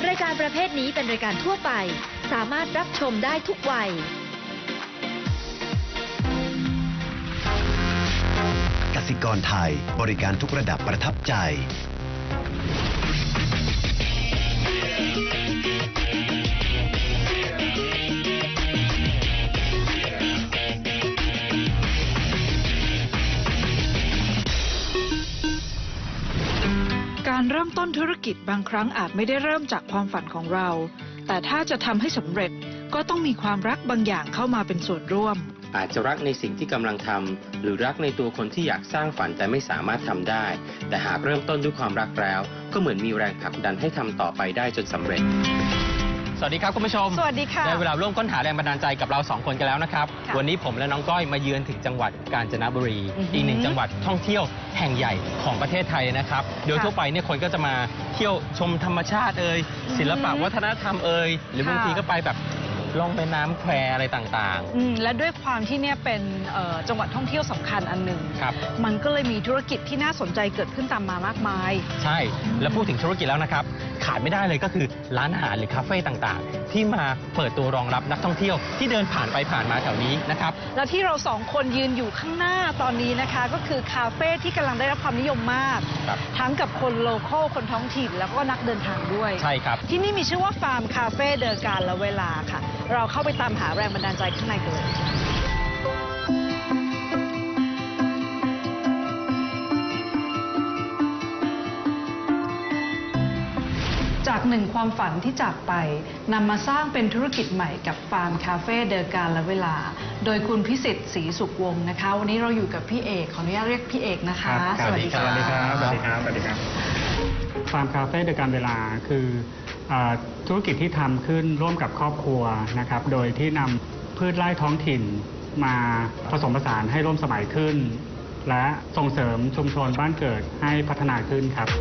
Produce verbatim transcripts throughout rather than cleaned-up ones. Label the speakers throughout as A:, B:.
A: รายการประเภทนี้เป็นรายการทั่วไปสามารถรับชมได้ทุกวัย
B: กสิกรไทยบริการทุกระดับประทับใจ
C: การเริ่มต้นธุรกิจบางครั้งอาจไม่ได้เริ่มจากความฝันของเราแต่ถ้าจะทำให้สำเร็จก็ต้องมีความรักบางอย่างเข้ามาเป็นส่วนร่วม
D: อาจจะรักในสิ่งที่กำลังทำหรือรักในตัวคนที่อยากสร้างฝันแต่ไม่สามารถทำได้แต่หากเริ่มต้นด้วยความรักแล้วก็เหมือนมีแรงผลักดันให้ทำต่อไปได้จนสำเร็จสวัสดีครับคุณผู้ชม
C: สวัสดีค่ะ
D: ได้เวลาร่วมค้นหาแรงบันดาลใจกับเราสองคนกันแล้วนะครับวันนี้ผมและน้องก้อยมาเยือนถึงจังหวัดกาญจนบุรีอีกหนึ่งจังหวัดท่องเที่ยวแห่งใหญ่ของประเทศไทยนะครับโดยทั่วไปเนี่ยคนก็จะมาเที่ยวชมธรรมชาติเอ่ยศิลปะวัฒนธรรมเอ่ยหรือบางทีก็ไปแบบล่องแม่น้ำแควอะไรต่างๆ
C: อืมและด้วยความที่เนี่ยเป็นจังหวัดท่องเที่ยวสำคัญอันหนึ่ง
D: ครับ
C: มันก็เลยมีธุรกิจที่น่าสนใจเกิดขึ้นตามมามากมาย
D: ใช่แล้วพูดถึงธุรกิจแล้วนะครับขาดไม่ได้เลยก็คือร้านอาหารหรือคาเฟ่ต่างๆที่มาเปิดตัวรองรับนักท่องเที่ยวที่เดินผ่านไปผ่านมาแถวนี้นะครับ
C: และที่เราสองคนยืนอยู่ข้างหน้าตอนนี้นะคะก็คือคาเฟ่ที่กำลังได้รับความนิยมมากทั้งกับคนโลคอลคนท้องถิ่นแล้วก็นักเดินทางด้วย
D: ใช่ครับ
C: ที่นี่มีชื่อว่าฟาร์มคาเฟ่เดอะการละเวลาค่ะเราเข้าไปตามหาแรงบันดาลใจข้างในกันเลยจากหนึ่งความฝันที่จากไปนำมาสร้างเป็นธุรกิจใหม่กับฟาร์มคาเฟ่เดอะการละเวลาโดยคุณพิสิทธิ์ศรีสุขวงศ์นะคะวันนี้เราอยู่กับพี่เอกขออนุญาตเรียกพี่เอกนะคะ
D: สวัสดีครับ
E: สวัสดีครับสวัสดีครับสวัสดีครับฟาร์มคาเฟ่เดอะการเวลาคือธุรกิจที่ทำขึ้นร่วมกับครอบครัวนะครับโดยที่นำพืชไร่ท้องถิ่นมาผสมผสานให้ร่วมสมัยขึ้นและส่งเสริมชุมชนบ้านเกิดให้พัฒนาขึ้นครับ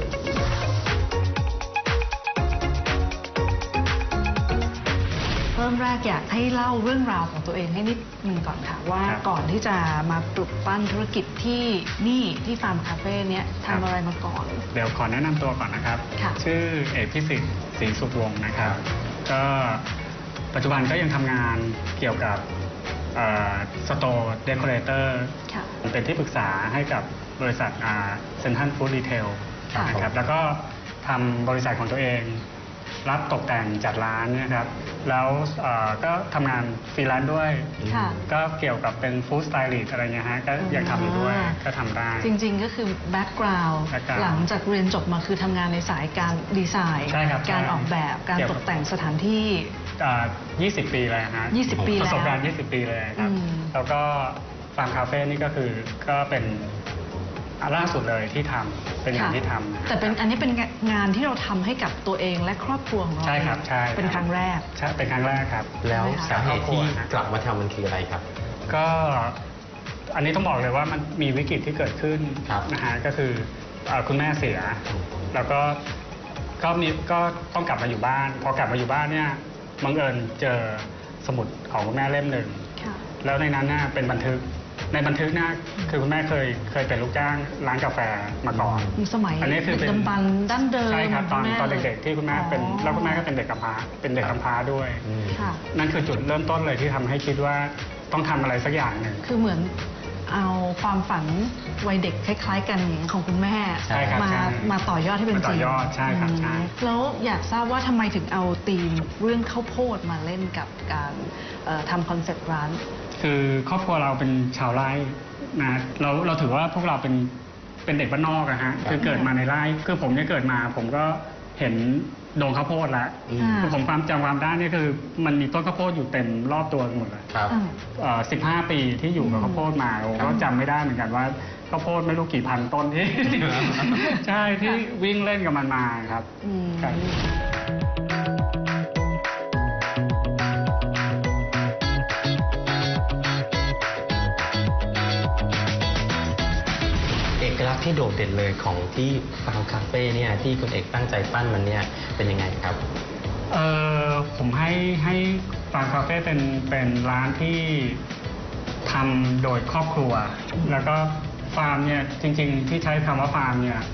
C: เริ่มแรกอยากให้เล่าเรื่องราวของตัวเองให้นิดนึงก่อนค่ะว่าก่อนที่จะมาปลุกปั้นธุรกิจที่นี่ที่ฟาร์มคาเฟ่เนี้ยทำอะไรมาก่อน
E: เดี๋ยวขอแนะนำตัวก่อนนะครับชื่อเอกพิสิทธิ์ศรีสุขวงศ์นะครับก็ปัจจุบันก็ยังทำงานเกี่ยวกับสโตร์เดคอเรเตอร์เป็นที่ปรึกษาให้กับบริษัทเซ็นทรัลฟู้ดรีเทลนะครับแล้วก็ทำบริษัทของตัวเองรับตกแต่งจัดร้านนะครับแล้วก็ทำงานฟรีแลนซ์ด้วยก็เกี่ยวกับเป็นฟู้ดสไตลิสต์อะไรเงี้ยฮะก็ยังทำอยู่ด้วยก็ทำได้
C: จริงๆก็คือแบ็กกราวด์หลังจากเรียนจบมาคือทำงานในสายการดีไซน์การออกแบบการตกแต่งสถานที่
E: ยี่สิบปีเลยฮะ
C: ยี่สิบปีแล้ว
E: ประสบการณ์ยี่สิบปีเลยครับแล้วก็ฟาร์มคาเฟ่นี่ก็คือก็เป็นล่าสุดเลยที่ทำเป็นงานที่ทำ
C: แต่เป็นอันนี้เป็นงานที่เราทำให้กับตัวเองและครอบครัวของเรา
E: ใช่ครับใช่
C: เป็นครั้งแรก
E: ใช่เป็นครั้งแรกครับ
D: แล้วสาเหตุที่กลับมาทำมันคืออะไรครับ
E: ก็อันนี้ต้องบอกเลยว่ามันมีวิกฤตที่เกิดขึ้นนะฮะก็คือคุณแม่เสียแล้วก็ก็มีก็ต้องกลับมาอยู่บ้านพอกลับมาอยู่บ้านเนี่ยบังเอิญเจอสมุดของคุณแม่เล่มหนึ่งแล้วในนั้นน่ะเป็นบันทึกในบันทึกน่ะคือคุณแม่เคยเคยเป็นลูกจ้างร้านกาแฟมาก่อน
C: สมัยอันนี้คือเป็นดันดั้นเดิม
E: ใช่ครับตอนตอนเด็กๆที่คุณแม่เป็นแล้วคุณแม่ก็เป็นเด็กกำพร้าเป็นเด็กกำพร้าด้วยนั่นคือจุดเริ่มต้นเลยที่ทำให้คิดว่าต้องทำอะไรสักอย่างหนึ่ง
C: คือเหมือนเอาความฝันวัยเด็กคล้ายๆกันของคุณแม่มามาต่อยอดให้เป็นจริง
E: ต่อยอดใช่ครับใช่
C: แล้วอยากทราบว่าทำไมถึงเอาธีมเรื่องข้าวโพดมาเล่นกับการทำคอนเซ็ปต์ร้าน
E: คือครอบครัวเราเป็นชาวไร่นะเราเราถือว่าพวกเราเป็นเป็นเด็กบ้านนอกอะฮะคือเกิดมาในไร่คือผมเนี่ยเกิดมาผมก็เห็นโดงข้าวโพดแล้วคือผมความจำความได้นี่คือมันมีต้นข้าวโพดอยู่เต็มรอบตัวหมดเลยสิบห้าปีที่อยู่กับข้าวโพดมาผมก็จำไม่ได้เหมือนกันว่าข้าวโพดไม่รู้กี่พันต้นที่ใช่ที่วิ่งเล่นกับมันมาครับ
D: ลักษณ์ที่โดดเด่นเลยของที่ฟาร์มคาเฟ่เนี่ยที่คุณเอกตั้งใจปั้นมันเนี่ยเป็นยังไงครับ
E: เออผมให้ให้ฟาร์มคาเฟ่เป็นเป็นร้านที่ทำโดยครอบครัวแล้วก็ฟาร์มเนี่ยจริงๆที่ใช้คำว่าฟาร์มเนี่ย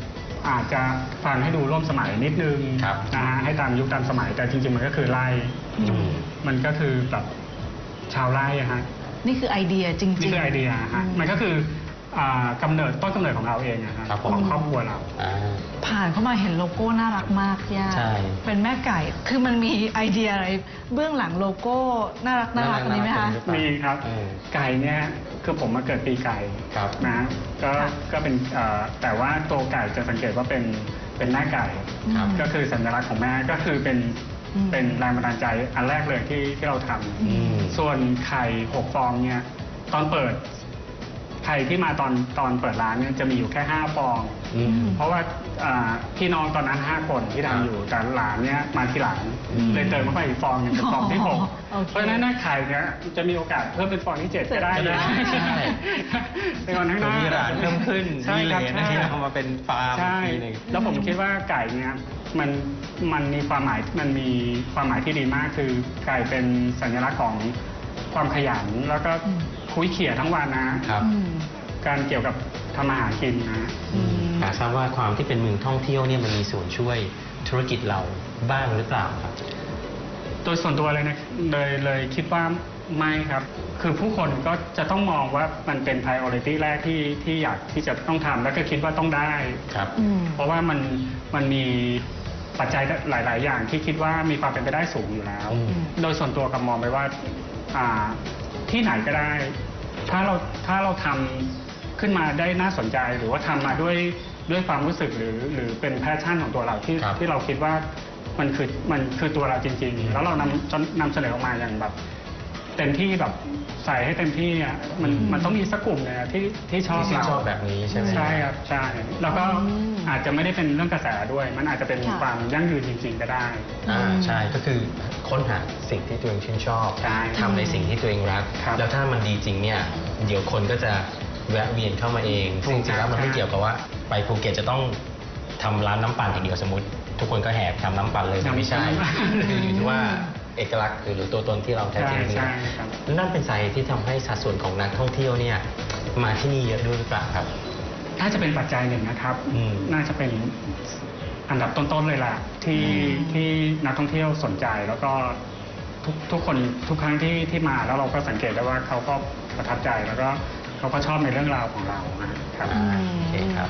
E: อาจจะฟังให้ดูร่วมสมัยนิดนึง
D: ครับ
E: นะฮะให้ตามยุคตามสมัยแต่จริงๆมันก็คือไร่
C: อืม
E: มันก็คือแบบชาวไร่อะฮะ
C: นี่คือไอเดียจริงๆ
E: นี่คือไอเดียฮะ
C: อืม
E: มันก็คืออ่ากำเนิดต้นกำเนิดของเราเองอะฮะ
D: ครับผม
E: ของครอบครัวเรา
D: อ่า
C: ผ่านเข้ามาเห็นโลโก้น่ารักมากย่า
D: ใช่
C: เป็นแม่ไก่ คือมันมีไอเดียอะไรเบื้องหลังโลโก้น่ารักน่ารักอันนี้ไหมคะ
E: มีครับ
D: เออ
E: ไก่เนี่ยคือผมมาเกิดปีไก่
D: ครับ
E: นะก็
C: ค่ะ
E: ก็เป็นเอ่อแต่ว่าตัวไก่จะสังเกตว่าเป็นเป็นแม่ไก่
D: ครับ
E: ก็คือสัญลักษณ์ของแม่ก็คือเป็น
C: อืม
E: เป็นแรงบันดาลใจอันแรกเลยที่ที่เราท
D: อืม
E: ำส่วนไข่หกฟองเนี่ยตอนเปิดไข่ที่มาตอนตอนเปิดร้านเนี่ยจะมีอยู่แค่ห้าฟอง
D: อืม
E: เพราะว่าอ่าพี่น้องตอนนั้นห้าคนที่
D: ครับ
E: ทำอยู่แต่หลานเนี่ยมาทีหลัง
D: อืม
E: เลยเติมเข้าไปอีกฟองหนึงเป็นฟองที่หก
C: โอเค
E: เพราะฉะนั้นหน้าไข่เนี่ยจะมีโอกาสเพิ่มเป็นฟองที่เจ็ดก็ได้
D: ก็ได้ใช่
E: ในวันข้างหน้า
D: มีร้านเพิ่มขึ้น
E: ใช่
D: มีเล
E: ครับ
D: นนะ
E: ใช่
D: ที่เอามาเป็นฟาร์ม
E: ใช่
D: อีกทีหนึ่ง
E: แล้วผมคิดว่าไก่เนี่ยมันมันมีความหมายมันมีความหมายที่ดีมากคือไก่เป็นสัญลักษณ์ของความขยันแล้วก็
C: อืม
E: คุยเขี่ยทั้งวันนะ
D: ครับ
C: อืม
E: การเกี่ยวกับทำอาหารกินนะ
C: อืม
D: อยากทราบว่าความที่เป็นเมืองท่องเที่ยวเนี่ยมันมีส่วนช่วยธุรกิจเราบ้างหรือเปล่าครับ
E: โดยส่วนตัวเลยนะเลยเลยคิดว่าไม่ครับ คือผู้คนก็จะต้องมองว่ามันเป็น priority แรกที่ที่อยากที่จะต้องทำแล้วก็คิดว่าต้องได้
D: ครับ
C: อืม
E: เพราะว่ามันมันมีปัจจัยหลาย ๆ อย่างที่คิดว่ามีความเป็นไปได้สูงอยู่แล้ว
D: อืม
E: โดยส่วนตัวกับมองไปว่าอ่าที่ไหนก็ได้ ถ้าเราถ้าเราทำขึ้นมาได้น่าสนใจหรือว่าทำมาด้วยด้วยความรู้สึกหรือหรือเป็นแพชชั่นของตัวเราที่
D: ครับ
E: ที่เราคิดว่ามันคือมันคือตัวเราจริง ๆ แล้วเรานำจนนำเสนอออกมาอย่างแบบ เต็มที่แบบใส่ให้เต็มที่เนี่ยมัน
C: อืม
E: มันต้องมีสักกลุ่มเนี่ยที่ที่ชอบ
D: ที่ชื่น
E: เรา
D: ชอบแบบนี้ใช่ไหม
E: ใช่ครับใช่แล้วก็
C: อืม
E: อาจจะไม่ได้เป็นเรื่องกระแสด้วย มันอาจจะเป็น
C: ค่ะ
E: ความยั่งยืนจริง ๆ ก็ได้
D: อ่า
C: อืม
D: ใช่ก็คือค้นหาสิ่งที่ตัวเองชื่นชอบ
E: ใช่
D: ทำในสิ่งที่ตัวเองรัก
E: ครับ
D: แล้วถ้ามันดีจริงเนี่ยเดี๋ยวคนก็จะแวะเวียนเข้ามาเอง
E: ถูก
D: ซึ่งจริงๆแล้วมันไม่
E: ใช่
D: เกี่ยวกับว่าไปภูเก็ตจะต้องทำร้านน้ำปั่นอย่างเดียวสมมติ ทุกคนก็แห่ทำน้ำปั่นเลยมันไม่ใช่คืออยู่ที่ว่าเอกลักษณ์คือหรือตัวตนที่เราแท้
E: ใช่
D: จริงเนี่
E: ใช่
D: ย
E: ครับ
D: นั่นเป็นสาเหตุที่ทำให้สัดส่วนของนักท่องเที่ยวเนี่ยมาที่นี่เยอะด้วยหรือเปล่าครับ
E: ถ้าจะเป็นปัจจัยหนึ่งนะครับ
D: อืม
E: น่าจะเป็นอันดับต้นๆเลยล่ะที่
C: อืม
E: ที่นักท่องเที่ยวสนใจแล้วก็ทุกทุกคนทุกครั้งที่ที่มาแล้วเราก็สังเกตได้ว่าเขาก็ประทับใจแล้วก็เขาก็ชอบในเรื่องราวของเรานะครับ
D: อ่าโอเคครับ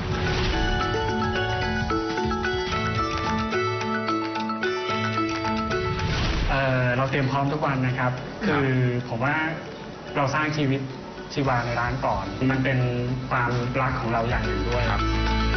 E: เอ่อเราเตรียมพร้อมทุกวันนะครับ คือผมว่าเราสร้างชีวิตชีวาในร้านก่อน มันเป็นความรักของเราอย่างหนึ่งด้วย
D: ครับ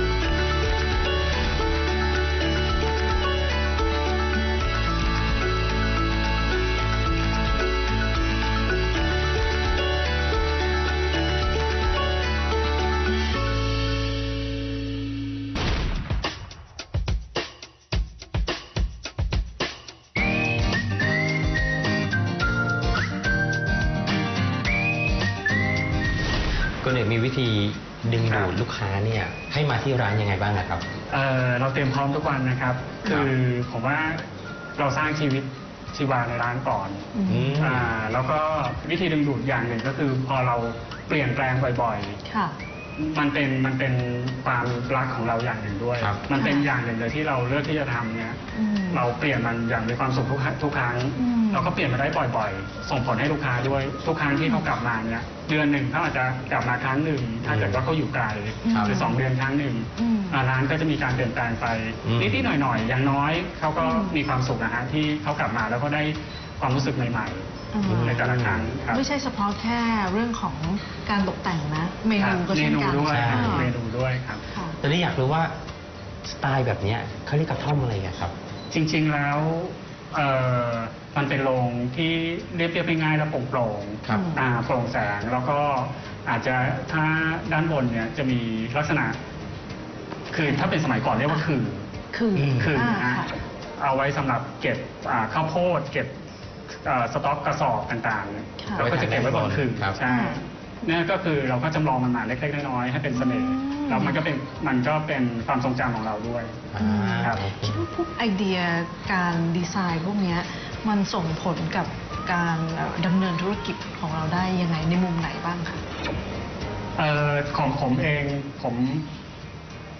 D: คุณเอกมีวิธีดึงดูดลูกค้าเนี่ยให้มาที่ร้านยังไงบ้างนะครับ
E: เอ่อเราเตรียมพร้อมทุกวันนะครับ คือผมว่าเราสร้างชีวิตชีวาในร้านก่อน
C: อืม
D: อืม
E: อ่าแล้วก็วิธีดึงดูดอย่างหนึ่งก็คือพอเราเปลี่ยนแปลงบ่อย
C: ค่ะ
E: ๆ มันเป็นมันเป็นความรักของเราอย่างหนึ่งด้วย
D: ครับ
E: มันเป็น
C: ค่ะ
E: อย่างหนึ่งเลยที่เราเลือกที่จะทำเนี่ย
C: อืม
E: เราเปลี่ยนมันอย่างมีความสุขทุกครั้งทุกครั้ง
C: อืม
E: เราก็เปลี่ยนมาได้บ่อยๆ ส่งผลให้ลูกค้าด้วยทุกครั้งที่เขากลับมาเนี่ยเดือนหนึ่งเขาอาจจะกลับมาครั้งหนึ่งถ้าเกิดว่าเขาอยู่ไกล
C: ครับ
E: หรือสองเดือนครั้งหนึ่ง
C: อืม
E: อ่าร้านก็จะมีการเปลี่ยนแปลงไป
D: อืม
E: นิดๆหน่อยๆ อย่างน้อยเขาก็
C: อืม
E: มีความสุขนะฮะที่เขากลับมาแล้วก็ได้ความรู้สึกใหม่
C: อ่า
E: ๆ ในแต่ละครั้งครับ
C: ไม่ใช่เฉพาะแค่เรื่องของการตกแต่งนะ เม
E: ครั
C: นู
E: บ
C: ก็
E: เม
C: เช่น
E: นู
C: กัน
E: ด้วย
D: ใช่
E: ครับ
C: อ่า
E: เมนูด้วยครับ
C: ค่ะ
D: ตอนนี้อยากรู้ว่าสไตล์แบบเนี้ยเขาเรียกกระท่อมอะไรอะครับ
E: จริงๆแล้วเอ่อมันเป็นโรงที่เรียบเรียบง่ายๆและโปร่งโปร่งๆ
D: ครับ
E: อ่าโปร่งแสงแล้วก็อาจจะถ้าด้านบนเนี่ยจะมีลักษณะ คือถ้าเป็นสมัยก่อนเรียกว่าคือ
C: คือ
D: ม
E: คือ
C: อ่า
E: นะ
C: ค่ะ
E: เอาไว้สำหรับเก็บอ่าข้าวโพดเก็บเอ่อสต็อกกระสอบต่าง
C: ค่ะ
E: ๆเราก็จะเก็บไว้บนคือ
D: ครับ
E: ใช่เนี่ยก็คือเราก็จำลองมันมาเล็กๆน้อยๆให้เป็นเสน่ห์
C: อืม
E: แล้วมันก็เป็นมันก็เป็นความทรงจำของเราด้วย
D: อ่า
E: ครับ
D: โอเค
C: คิดว่าพวกไอเดียการดีไซน์พวกเนี้ยมันส่งผลกับการเอ่อดำเนินธุรกิจของเราได้ยังไงในมุมไหนบ้างคะ
E: เอ่อของผมเองผม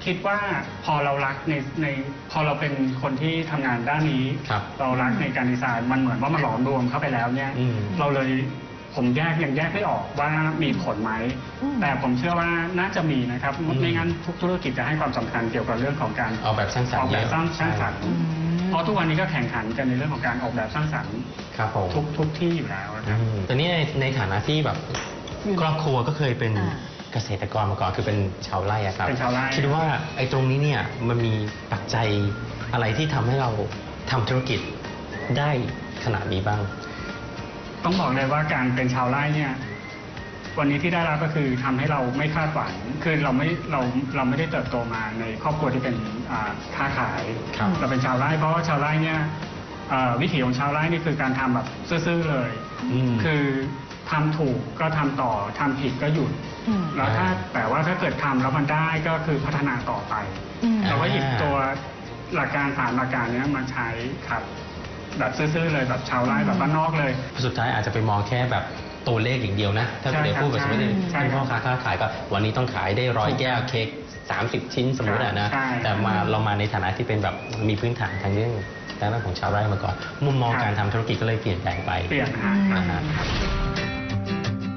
E: คิดว่าพอเรารักในในพอเราเป็นคนที่ทำงานด้านนี้
D: ครับ
E: เรารักในการดีไซน์มันเหมือนว่ามันหลอมรวมเข้าไปแล้วเนี่ย
D: อืม
E: เราเลยผมแยกยังแยกไม่ออกว่ามีผลไหม
C: อืม
E: แต่ผมเชื่อว่าน่าจะมีนะครับไม่งั้นทุกธุรกิจจะให้ความสำคัญเกี่ยวกับเรื่องของการ
D: ออกแบบสร้างสรร
E: อ
D: ค์
E: อกแบบ
D: เยอะ
E: สร้างสร้างสรรค์
C: อืม
E: เพราะทุกวันนี้ก็แข่งขันกันในเรื่องของการออกแบบสร้างสรรค์
D: ครับผม
E: ทุกทุกที่อยู่แล้วนะครับ
D: อืมแต่นี่ในในฐานะที่แบบครอบครัวก็เคยเป็น
C: อ่า
D: เกษตรกรมาก่อนคือเป็นชาวไร่อะครับ
E: เป็นชาวไร่
D: คิดว่าไอ้ตรงนี้เนี่ยมันมีปัจจัยอะไรที่ทำให้เราทำธุรกิจได้ขนาดนี้บ้าง
E: ต้องบอกเลยว่าการเป็นชาวไร่เนี่ยวันนี้ที่ได้รับก็คือทำให้เราไม่คาดหวังคือเราไม่เราเราไม่ได้เติบโตมาในครอบครัวที่เป็นอ่าค้าขาย
D: ครับ
E: เราเป็นชาวไร่เพราะว่าชาวไร่เนี่ยเอ่อวิถีของชาวไร่นี่คือการทำแบบซื่อๆเลย
D: อืม
E: คือทำถูกก็ทำต่อทำผิดก็หยุด
C: อืม
E: แล้วถ้า
D: อ่า
E: แต่ว่าถ้าเกิดทำแล้วมันได้ก็คือพัฒนาต่อไป
C: อืม
E: เราก็หยิบ
D: อ่า
E: ตัวหลักการสามหลักการเนี้ยมาใช้ครับแบบซื่อๆเลยแบบชาวไร่แบบบ้านนอกเลย
D: สุดท้ายอาจจะไปมองแค่แบบตัวเลขอย่างเดียวนะ ถ้า
E: ใช่
D: เดี๋ยวพูดกับสมมติ
E: ใช่
D: ที่
E: ครับ
D: พ่อค้าค้าขายก็วันนี้ต้องขายได้ร้อยแก้วเค้กสามสิบชิ้นสมมติอะนะ
E: ใช่
D: แต่มาเรามาในฐานะที่เป็นแบบมีพื้นฐานทางเรื่องทางด้านของชาวไร่มาก่อน มุมมอง
E: ครับ
D: การทำธุรกิจก็เลยเปลี่ยนแปลงไป
E: เปลี่ยนฮะ
C: อืม
E: ครับ
D: อ่าฮะ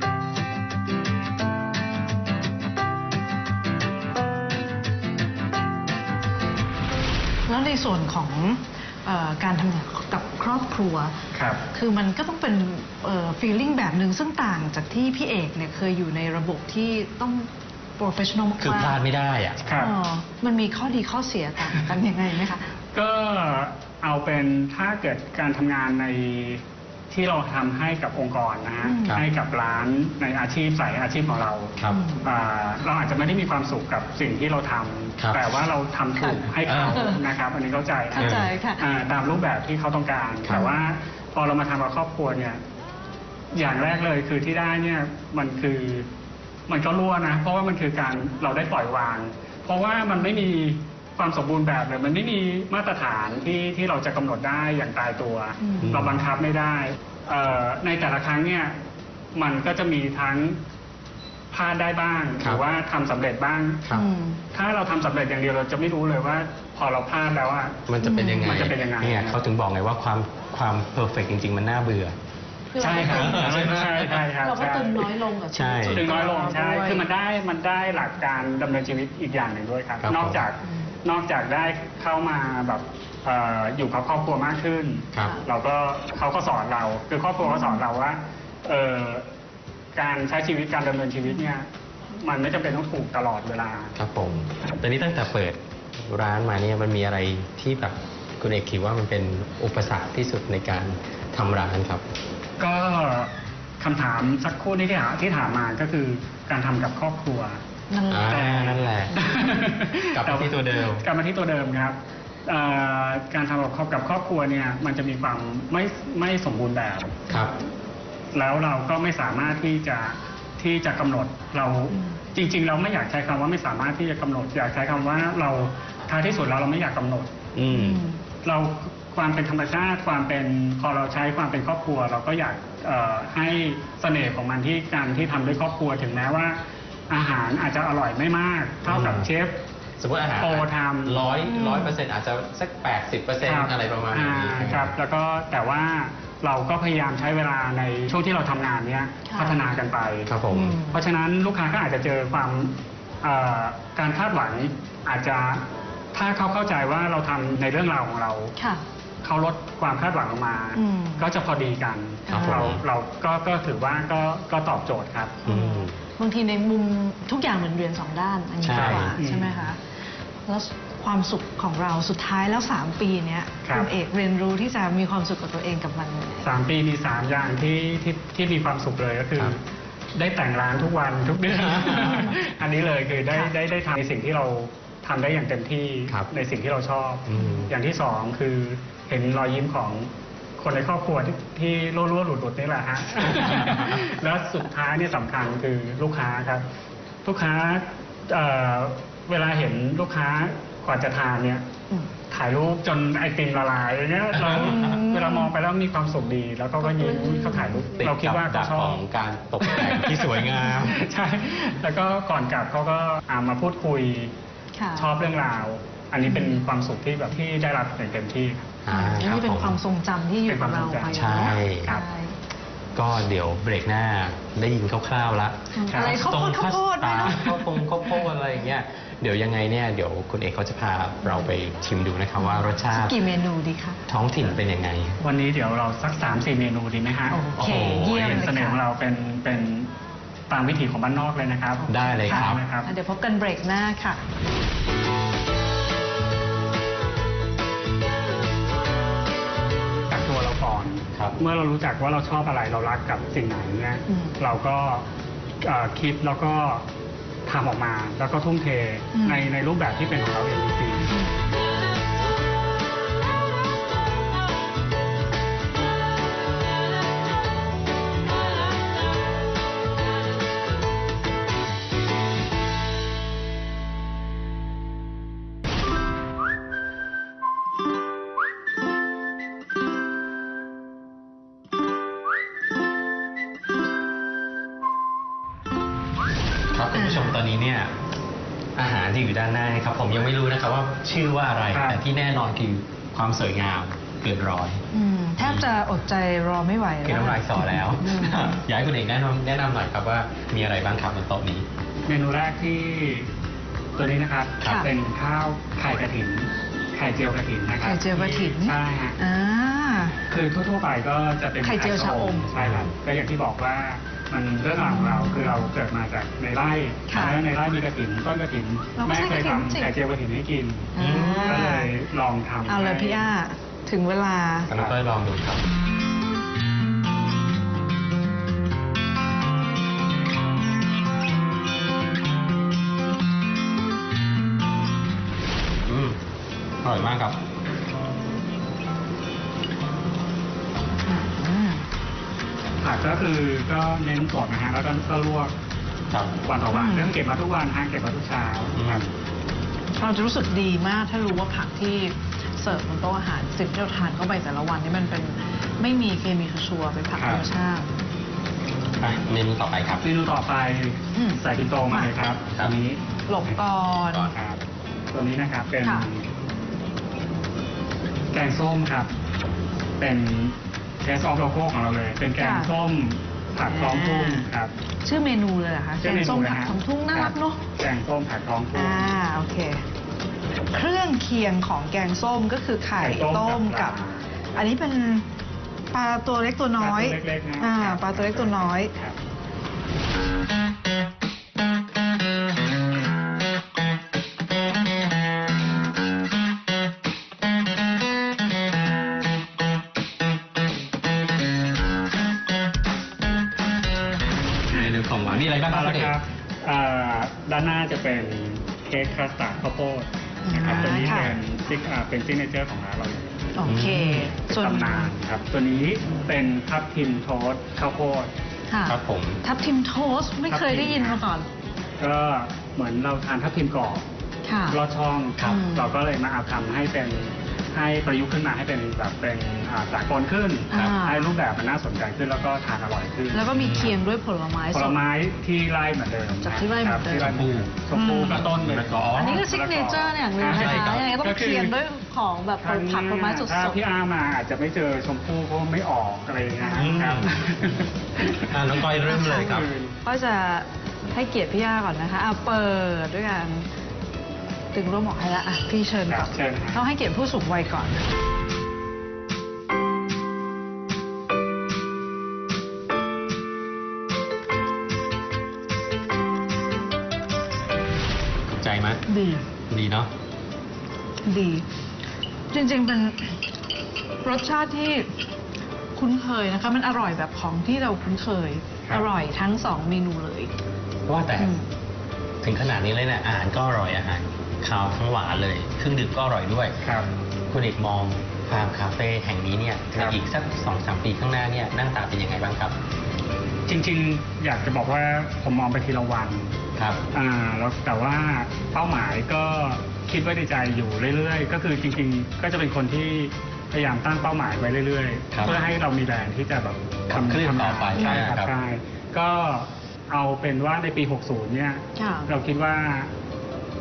C: แล้วในส่วนของเออการทำงานกับครอบครัว
E: ครับ
C: คือมันก็ต้องเป็นฟีลลิ่งแบบหนึ่งซึ่งต่างจากที่พี่เอกเนี่ยเคยอยู่ในระบบที่ต้อง professional มากๆ
D: คือพลาดไม่ได้อะ
E: ครับ
C: อ๋อมันมีข้อดีข้อเสียต่างกันยังไงไหมคะ
E: ก็เอาเป็นถ้าเกิดการทำงานในที่เราทำให้กับองค์กรนะฮะ
C: อืม
D: ครับ
E: ให้กับร้านในอาชีพสายอาชีพของเรา
D: ครับ
E: อ่าเราอาจจะไม่ได้มีความสุขกับสิ่งที่เราท
D: ครับ
E: ำแต่ว่าเราทำถูกให้เขา
D: เออ
E: นะครับ อันนี้เข้าใจนะ
C: เข้าใจค่ะ
E: อ่าตามรูปแบบที่เขาต้องการ
D: ครับ
E: แต่ว่าพอเรามาทำกับครอบครัวเนี่ย อย่างแรกเลยคือที่ได้เนี่ยมันคือมันก็รั่วนะ เพราะว่ามันคือการเราได้ปล่อยวาง เพราะว่ามันไม่มีความสมบูรณ์แบบเลยมันไม่มีมาตรฐานที่ที่เราจะกำหนดได้อย่างตายตัว
C: อืม
E: เราบังคับไม่ได้เอ่อในแต่ละครั้งเนี่ยมันก็จะมีทั้งพลาดได้บ้างห
D: ครับ
E: รือว่าทำสำเร็จบ้าง
D: ครับ
C: อืม
E: ถ้าเราทำสำเร็จอย่างเดียวเราจะไม่รู้เลยว่า พอเราพลาดแล้วอะ
D: มันจะเป็นยังไง
E: มันจะเป็นยังไง
D: เนี่ยเขาถึงบอกไงว่าความความเพอร์เฟกจริง ๆ มันน่าเบื่อ
E: ใช่ครับ
D: ใช่ไหม
E: ใช่ใช่ครับ
C: เราก็
E: ใช่
C: ตึงน้อยลงกับชีวิต
D: ใช่
C: ส่ว
E: ถึงน้อยลง
C: ตัว
E: ใช่
C: ด้วย
E: คือมันได้มันได้หลักการดำเนินชีวิตอีกอย่างหนึ่งด้วยครับ
D: ครับ
E: นอกจาก
C: อืม
E: นอกจากได้เข้ามาแบบเอ่ออยู่กับครอบครัวมากขึ้น
D: ครับ
E: เราก็เขาก็สอนเรา คือครอบครัวก็สอนเราว่าเอ่อการใช้ชีวิตการดำเนินชีวิตเนี่ย มันไม่จำเป็นต้องถูกตลอดเวลา
D: ครับผมแต่นี้ตั้งแต่เปิดร้านมาเนี่ยมันมีอะไรที่แบบคุณเอกคิดว่ามันเป็นอุปสรรคที่สุดในการทำร้านครับ
E: ก็คำถามสักครู่นี้ที่ถามที่ถามมาก็คือการทำกับครอบครัว
C: นั่นแหละ
D: อ่านั่นแหละ กลับมาที่ตัวเดิม
E: กลับมาที่ตัวเดิมครับเอ่อการทำกับครอบกับครอบครัวเนี่ยมันจะมีความไม่ไม่สมบูรณ์แบบ
D: ครับ
E: แล้วเราก็ไม่สามารถที่จะที่จะกำหนดเรา
C: อืม
E: จริง ๆ เราไม่อยากใช้คำว่าไม่สามารถที่จะกำหนด อยากใช้คำว่าเราท้ายที่สุดแล้วเราไม่อยากกำหนด
D: อืม
E: เราความเป็นธรรมชาติความเป็นพอเราใช้ความเป็นครอบครัว เราก็อยากเอ่อให้เสน่ห์ของมันที่การที่ทำด้วยครอบครัวถึงแม้ว่า อาหารอาจจะอร่อยไม่มาก เท่ากับ
D: อืม
E: เชฟ
D: สมมติอาหาร
E: โปรทำ
D: ร้อย
C: อืม
D: ร้อยเปอร์เซ็นต์อาจจะสักแปดสิบเปอร์เซ็นต์อะไรประมาณนี้
E: อ่ครับ แล้วก็แต่ว่าเราก็พยายามใช้เวลาในช่วงที่เราทำงานเนี้ย
C: ค่ะ
E: พัฒนากันไป
D: ครับผม
C: อืม
E: เพราะฉะนั้นลูกค้าก็อาจจะเจอความเอ่อการคาดหวังอาจจะถ้าเขาเข้าใจว่าเราทำในเรื่องราวของเรา
C: ค่ะ
E: เขาลดความคาดหวังลงมา
C: อืม
E: ก็จะพอดีกัน
C: ครับผม
E: เราเราก็ก็ถือว่าก็ก็ตอบโจทย์ครับ
D: อืม
C: บางทีในมุมทุกอย่างเหมือนเรียนสองด้านอันนี้
D: ใช่
C: ดีกว่า
E: อืม
C: ใช่ไหมคะ แล้วความสุขของเราสุดท้ายแล้วสามปีเนี้ย
E: ครับ
C: ณเอกเรียนรู้ที่จะมีความสุขกับตัวเองกับมันยังไง
E: สามปีมีสามอย่างที่ที่ที่มีความสุขเลยก็คือ
D: ครับ
E: ได้แต่งร้านทุกวันทุกเดือน อันนี้เลยคือได้
C: ค่ะ
E: ได้ได้ทำในสิ่งที่เราทำได้อย่างเต็มที่
D: ครับ
E: ในสิ่งที่เราชอบ
D: อืม
E: อย่างที่สองคือเห็นรอยยิ้มของคนในครอบครัวที่ที่รั่วๆหลุดๆนี่แหละ ฮะ แล้วสุดท้ายเนี่ยสำคัญคือลูกค้าครับ ลูกค้าเอ่อเวลาเห็นลูกค้ากว่าจะทานเนี่ย
C: อืม
E: ถ่ายรูปจนไอติมละลายอย่างเงี้ยเรา
C: อืม
E: เวลามองไปแล้วมีความสุขดี แล้วก็ก็ยิ้มเขาถ่ายรูป
D: ติด
E: เราคิด
D: กับ
E: ว่า
D: ดั
E: เขา
D: ก
E: ชอ
D: ข
E: บ
D: องการตกแต่งที่สวยงาม
E: ใช่ แล้วก็ก่อนกลับเขาก็อ่ามาพูดคุย
C: ค่ะ
E: ชอบเรื่องราว อันนี้เป็นความสุขที่แบบที่ได้รับอย่างเต็มที่
D: อ่า
C: อันนี้เป็นความทรงจำที่อยู่กับเราไป
D: ใช่
E: ครับ
C: ใช่
D: ก็เดี๋ยวเบรกหน้าได้ยินคร่าวๆละ
C: อะไรข้าวโพดข้าวโพด
D: ตา
C: ด้วยเนอะ
D: ข้าวโพดข้าวโพดอะไรอย่างเงี้ยเดี๋ยวยังไงเนี่ยเดี๋ยวคุณเอกเขาจะพาเราไปชิมดูนะครับว่ารสชาติ
C: กี่เมนูดีคะ
D: ท้องถิ่นเป็นยังไง
E: วันนี้เดี๋ยวเราสักสามสี่เมนูดีไหมฮะ
C: โอเค
D: โอ้โห
C: เยี่ยม
E: เป็น
C: เลย
E: เสน่ห์ของ
C: ค่ะ
E: เราเป็นเป็นตามวิถีของบ้านนอกเลยนะครับ
D: ได้เลยครับ
E: นะครับ
C: อ่ะเดี๋ยวพบกันเบรกหน้าค่ะ
E: จากตัวเราก่อน
D: ครับ
E: เมื่อเรารู้จักว่าเราชอบอะไรเรารักกับสิ่งไหนเนี่ย
C: อืม
E: เราก็เอ่อคิดแล้วก็ทำออกมา แล้วก็ทุ่มเท
C: อืม
E: ในในรูปแบบที่เป็นของเราเองจริงๆ
D: ครับคุณผู้ชมตอนนี้เนี่ยอาหารที่อยู่ด้านหน้านะครับผมยังไม่รู้นะครับว่าชื่อว่าอะไร
E: ครับ
D: แต่ที่แน่นอนคือความสวยงามเกินร้อย
C: อืมแทบจะอดใจรอไม่ไหว
D: คือ
C: แล้ว
D: น้ำลายสอแล้ว
C: อืม
D: อยากให้คุณเอกแนะนำแนะนำหน่อยครับว่ามีอะไรบ้างครับบนโต๊ะนี้
E: เมนูแรกที่ตัวนี้นะครับ
C: ค่ะ
E: เป็นข้าวไข่กระถิน ไข่เจียวกระถินนะครับ
C: ไข่เจียวกระถิ่น
E: ใช่ฮะ
C: อ่า
E: คือทั่วๆไปก็จะเป็น
C: ไข่เจียวชะอม
E: ใช่ครับก็อย่างที่บอกว่ามันเรื่องราวของเราคือเราเกิดมาจากในไร่
C: ค่ะ
E: แล้วในไร่มีกระถินต้นกระถิน
C: เราก็
E: แม่
C: ใช้
E: เคย
C: กระถิ่นสิ
E: ทำไข่เจียวกระถินให้กิน
C: อ่า
E: ก็เลยลองทำ
C: เอาเลย
E: ให้
C: พี่อ้าถึงเวลา
D: น้องก้อยลองดูครับ อืมอร่อยมากครับ
C: อืม
E: ผักก็คือก็เน้นสดนะฮะแล้วก็ก็ลวก
D: ครับ
E: วันต่อวัน
C: อืม
E: เรื่องเก็บมาทุกวันฮะเก็บมาทุกเช้าครับ
C: เราจะรู้สึกดีมากถ้ารู้ว่าผักที่เสิร์ฟบนโต๊ะอาหารสิ่งที่เราทานเข้าไปแต่ละวันนี่มันเป็นไม่มีเคมีชัวร์ๆเป็นผัก
E: ครั
C: ธร
E: บ
C: รมชาติ
D: อ่ะเมนูต่อไปครับ
E: เมนูต่อไป
C: อืม
E: ใส่ปินโตมาเลยครับ
D: ครั
E: อั
D: บ
E: นนี้
C: หลบก่อน
E: ครับตัวนี้นะครับเป็น
C: ค่ะ
E: แกงส้มครับ เป็นเทสออฟโลโก้ของเราเลย เป็นแกงส้มผักท้องทุ่งครับ
C: ชื่อเมนูเลยเหรอคะแก
E: ชื่อง เมนู
C: ส้ม
E: นะ
C: ผัก
E: ฮะ
C: ของทุ่งน่ารักเนาะ
E: แกงส้มผักท้องทุ่ง
C: อ่าโอเค เครื่องเคียงของแกงส้มก็คือไข่
E: ไข่ต้
C: ต้
E: ม
C: ม
E: กั
C: กับ
E: บปลา
C: อันนี้เป็นปลาตัวเล็กตัวน้อย
E: ปลาตัวเล็กๆนะ
C: อ่า
E: ครับ
C: ปลาตัวเล็กตัวน้อย
E: ครับ
D: เมนูของหวานนี่อะไรบ้างค
E: เอา
D: รับ
E: ละ
D: คุณเอก
E: ครับอ่าด้านหน้าจะเป็นเค้กคัสตาร์ดข้าวโพดนะครับ
C: อ่า
E: ตัวนี้
C: ค่ะ
E: เป็นซิกอ่าเป็นซิกเนเจอร์ของร้านเราเลย
C: โอเค ส่วน
E: ตำนานครับ ตัวนี้เป็นทับทิมโทสต์ข้าวโพด
C: ค่ะ
D: ครับผม
C: ทับทิมโทสต์ไม่เคยได้ยินมาก่อน
E: ก็เหมือนเราทานทับทิมกรอบ
C: ค่ะ
E: ลอดช่องครับ
C: อืม
E: เราก็เลยมาเอาทำให้เป็นให้ประยุกต์ขึ้นมาให้เป็นแบบเป็นอ่าสากลขึ้น
C: อ่า
E: ให้รูปแบบมันน่าสนใจขึ้นแล้วก็ทานอร่อยขึ้น
C: แล้วก็มีเคียงด้วยผลไม้
E: ผ
C: ส
E: ล
C: ด
E: ไม้ที่ไร่เหมือนเดิม
C: จากที่ไร่เหมือนเดิม
E: ครับที่ไร่เหมือนเดิมชมพู่ก็ต้นเลย
D: มะละกอ
C: อันนี้ก็ซิกเนเจอร์อย่างหนึ่งนะ
E: ใช่
C: คะ
E: รับ
C: ยังไงก็ต้องเคียงด้วยของแบบผลผักผลไม้สด
E: ถ้า
C: ๆ
E: พี่อามาอาจจะไม่เจอชมพู่เพราะไม่ออกอะไรอย่างเงี้ย
D: อืม
E: ครับ
D: อ่ะน้องก้อยเริ่มเลยครับ
C: ก็จะให้เกียรติพี่ย่าก่อนนะคะอ่ะเปิดด้วยกันตึงร่วมหมอกให้ละอ่ะพี่เชิญ
E: ค
C: ก่
E: รั
C: อบ น
E: เชิญครับ
C: ต้องให้เกียรติผู้สูงวัยก่อน
D: ถูกใจไหม
C: ดี
D: ดีเนาะ
C: ดี จริงๆเป็นรสชาติที่คุ้นเคยนะคะ มันอร่อยแบบของที่เราคุ้นเคย
E: ครับ
C: อร่อยทั้งสองเมนูเลย
D: ว่าแต่
C: อืม
D: ถึงขนาดนี้เลยเนี่ยอาหารก็อร่อยอาหารคาวทั้งหวานเลยเครื่องดื่มก็อร่อยด้วย
E: ครับ
D: คุณเอกมองฟาร์มคาเฟ่แห่งนี้เนี่ย
E: ค
D: ใน
E: รับ
D: อีกสักสองสามปีข้างหน้าเนี่ยหน้าตาเป็นยังไงบ้างครับ
E: จริงๆ อยากจะบอกว่าผมมองไปทีละวัน
D: ครับ
E: อ่าแล้วแต่ว่าเป้าหมายก็คิดไว้ในใจอยู่เรื่อยๆ ก็คือจริงๆ ก็จะเป็นคนที่พยายามตั้งเป้าหมายไว้เรื่อย
D: ครับ
E: ๆ เพื่อให้เรามีแรงที่จะแบบ
D: ขับเคลื่อนต่อไป
E: ใช่ครับ
D: ครับ
E: ใช่ก็เอาเป็นว่าในปี หกสิบ เนี่ย
C: ค่ะ
E: เราคิดว่า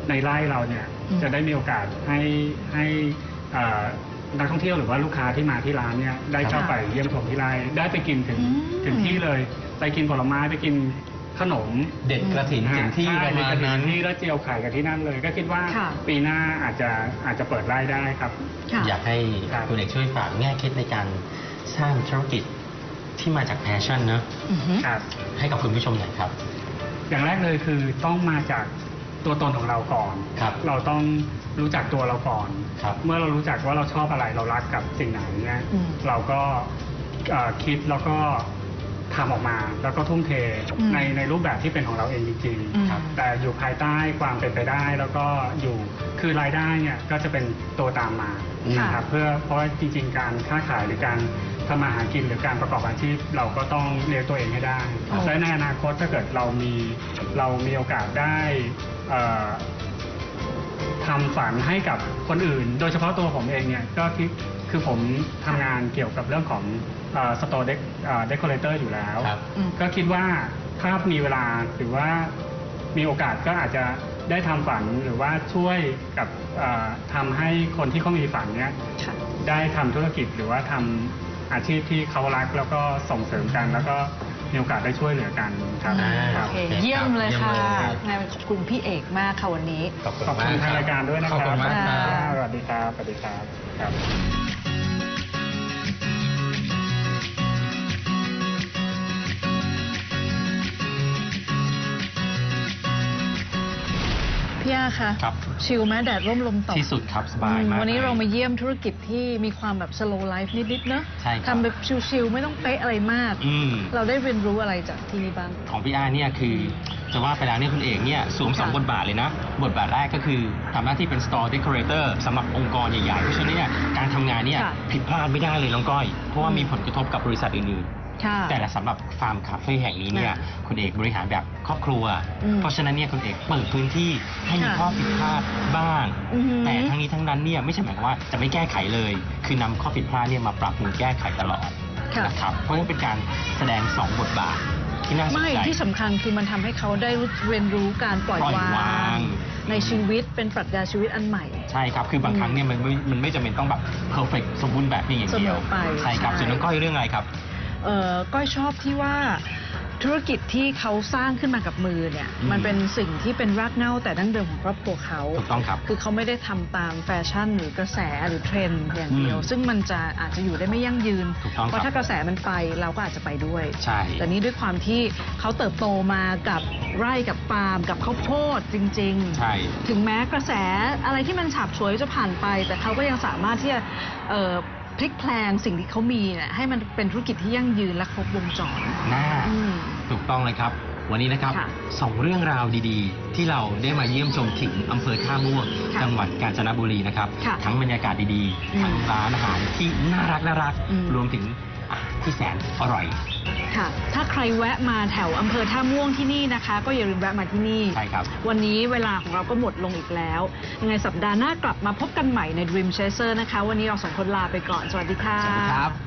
E: ในไร่เราเนี่ยจะได้มีโอกาสให้ให้เอ่อนักท่องเที่ยวหรือว่าลูกค้าที่มาที่ร้านเนี่ยได้เข้าไปเยี่ยมชมที่ไร่ได้ไปกินถึงถึงที่เลยไปกินผลไม้ไปกินขนม
D: เด็ดกระถิ่นถึงที่ประมาณนั้น
E: ที่แล้วเจียวไข่กันที่นั่นเลย ก็คิดว่าปีหน้าอาจจะอาจจะเปิดไร่ได้ครับ
D: อยากให้
E: ครับ
D: คุณเอกช่วยฝากแง่คิดในการสร้างธุรกิจที่มาจากแพชชั่นเนอะ
C: อือฮึ
E: ครับ
D: ให้กับคุณผู้ชมหน่อยครับ
E: อย่างแรกเลยคือต้องมาจากตัวตนของเราก่อน
D: ครับ
E: เราต้องรู้จักตัวเราก่อน
D: ครับ
E: เมื่อเรารู้จักว่าเราชอบอะไรเรารักกับสิ่งไหนเนี่ย
C: อืม
E: เราก็เอ่อคิดแล้วก็ทำออกมา แล้วก็ทุ่มเท
C: อืม
E: ในในรูปแบบที่เป็นของเราเองจริง
C: อืม
E: ๆครับแต่อยู่ภายใต้ความเป็นไปได้ แล้วก็อยู่คือรายได้เนี่ยก็จะเป็นตัวตามมา
C: ค่ะ
E: นะครับเพื่อเพราะว่าจริง ๆ การค้าขายหรือการทำมาหากินหรือการประกอบอาชีพ เราก็ต้องเลี้ยงตัวเองให้ได้
C: ครับ
E: และในอนาคตถ้าเกิดเรามีเรามีโอกาสได้เอ่อทำฝันให้กับคนอื่น โดยเฉพาะตัวผมเองเนี่ยก็คิดคือผมทำงานเกี่ยวกับเรื่องของสโตร์เดคอเรเตอร์อยู่แล้ว
D: ครับ
C: อืม
E: ก็คิดว่าถ้ามีเวลาหรือว่ามีโอกาสก็อาจจะได้ทำฝันหรือว่าช่วยกับเอ่อทำให้คนที่เขามีฝันเนี้ย
C: ค่ะ
E: ได้ทำธุรกิจหรือว่าทำอาชีพที่เขารักแล้วก็ส่งเสริมกัน แล้วก็มีโอกาสได้ช่วยเหลือกันครับ
D: อ่า
E: ครั
C: โอบ เค
D: ครับ
C: เยี่ยมเลย
D: เยี่ยม
C: ค่ะ
D: เลยครับ
C: งานขอบคุณพี่เอกมากค่ะวันนี้
D: ขอบคุณ
E: ขอบคุณ
D: มาก
E: ทางรายการด้วยนะค
D: ขอบ
E: รับ
D: คุณมากค
C: ครั
D: รับ บ
E: สวัสดีครับสวัสดีครับครับ
C: พี่อาคะ
D: ครับ
C: ชิลไหมแดดร่มลมตก
D: ที่สุดครับสบาย
C: อืม
D: มาก
C: วันนี้
D: ลย
C: เรามาเยี่ยมธุรกิจที่มีความแบบ slow life นิดๆเนอะ
D: ใช่ครับ
C: ทำแบบชิลๆไม่ต้องเป๊ะอะไรมาก
D: อืม
C: เราได้เรียนรู้อะไรจากที่นี่บ้าง
D: ของพี่อาเนี่ยคือจะว่าไปแล้วเนี่ยคุณเอกเนี่ยสวมสอง
C: ค่ะ
D: บทบาทเลยนะ บทบาทแรกก็คือทำหน้าที่เป็น store decorator สำหรับองค์กรใหญ่ๆเพราะฉะนั้นเนี่ยการทำงานเนี่ย
C: ค่ะ
D: ผิดพลาดไม่ได้เลยน้องก้อย เพราะว่า
C: อืม
D: มีผลกระทบกับบริษัทอื่นๆ
C: ค่ะ
D: แต่ละสำหรับฟาร์มคาเฟ่แห่งนี้เนี่ย
C: ค่ะ
D: คุณเอกบริหารแบบครอบครัว
C: อืม
D: เพราะฉะนั้นเนี่ยคุณเอกเปิดพื้นที่ให้มี
C: ค่ะ
D: ข้อผิดพลาดบ้าง
C: อือหือ
D: แต่ทั้งนี้ทั้งนั้นเนี่ยไม่ใช่หมายความว่าจะไม่แก้ไขเลย คือนำข้อผิดพลาดเนี่ยมาปรับปรุงแก้ไขตลอด
C: ค่ะ
D: นะครับเพราะฉะนั้นเป็นการแสดงสองบทบาทที่น่าสน
C: ไม่
D: ใจ
C: ที่สำคัญคือมันทำให้เขาได้เรียนรู้การปล่อย
D: ปล่อยว
C: าว
D: าง
C: ง ในชีวิตเป็นปรัชญาชีวิตอันใหม่
D: ใช่ครับ คือบางครั้งเนี่ยมันไม่มันไม่จำเป็นต้องแบบเพอร์เฟกสมบูรณ์แบบเพียงอย่างเดียว
C: เสมอไป
D: ใช่ครับ
C: ใช่
D: ส่วนน้องก้อยเรื่องอะไรครับ
C: เอ่อก้อยชอบที่ว่าธุรกิจที่เขาสร้างขึ้นมากับมือเนี่ย
D: อืม
C: มันเป็นสิ่งที่เป็นรากเหง้าแต่ดั้งเดิมของครอบครัวเขา
D: ถูกต้องครับ
C: คือเขาไม่ได้ทำตามแฟชั่นหรือกระแสหรือเทรนด์อย่างเดียว
D: อืม
C: ซึ่งมันจะอาจจะอยู่ได้ไม่ยั่งยืน
D: ถูกต้องครับ
C: เพราะถ้ากระแสมันไปเราก็อาจจะไปด้วย
D: ใช่
C: แต่นี้ด้วยความที่เขาเติบโตมากับไร่กับฟาร์มกับข้าวโพดจริง ๆ
D: ใช่
C: ถึงแม้กระแสอะไรที่มันฉาบฉวยจะผ่านไป แต่เขาก็ยังสามารถที่จะเอ่อพลิกแพลงสิ่งที่เขามีเนี่ยให้มันเป็นธุรกิจที่ยั่งยืนและครบวงจร
D: น่า
C: อืม
D: ถูกต้องเลยครับ วันนี้นะครับ
C: ค่ะ
D: สองเรื่องราวดีๆ ที่เราได้มาเยี่ยมชมถึงอำเภอท่าม่วง
C: ค่ะ
D: จังหวัดกาญจนบุรีนะครับ
C: ค่ะ
D: ทั้งบรรยากาศดี
C: อืม
D: ๆ ทั้งร้านอาหารที่น่ารักน่ารัก
C: อืม
D: รวมถึงอาหารที่แสนอร่อย
C: ค่ะ ถ้าใครแวะมาแถวอำเภอท่าม่วงที่นี่นะคะ ก็อย่าลืมแวะมาที่นี่
D: ใช่ครับ
C: วันนี้เวลาของเราก็หมดลงอีกแล้ว ยังไงสัปดาห์หน้ากลับมาพบกันใหม่ใน Dream Chaser นะคะ วันนี้เราสองคนลาไปก่อน สวัสดีค่ะ
D: สวัสดีครับ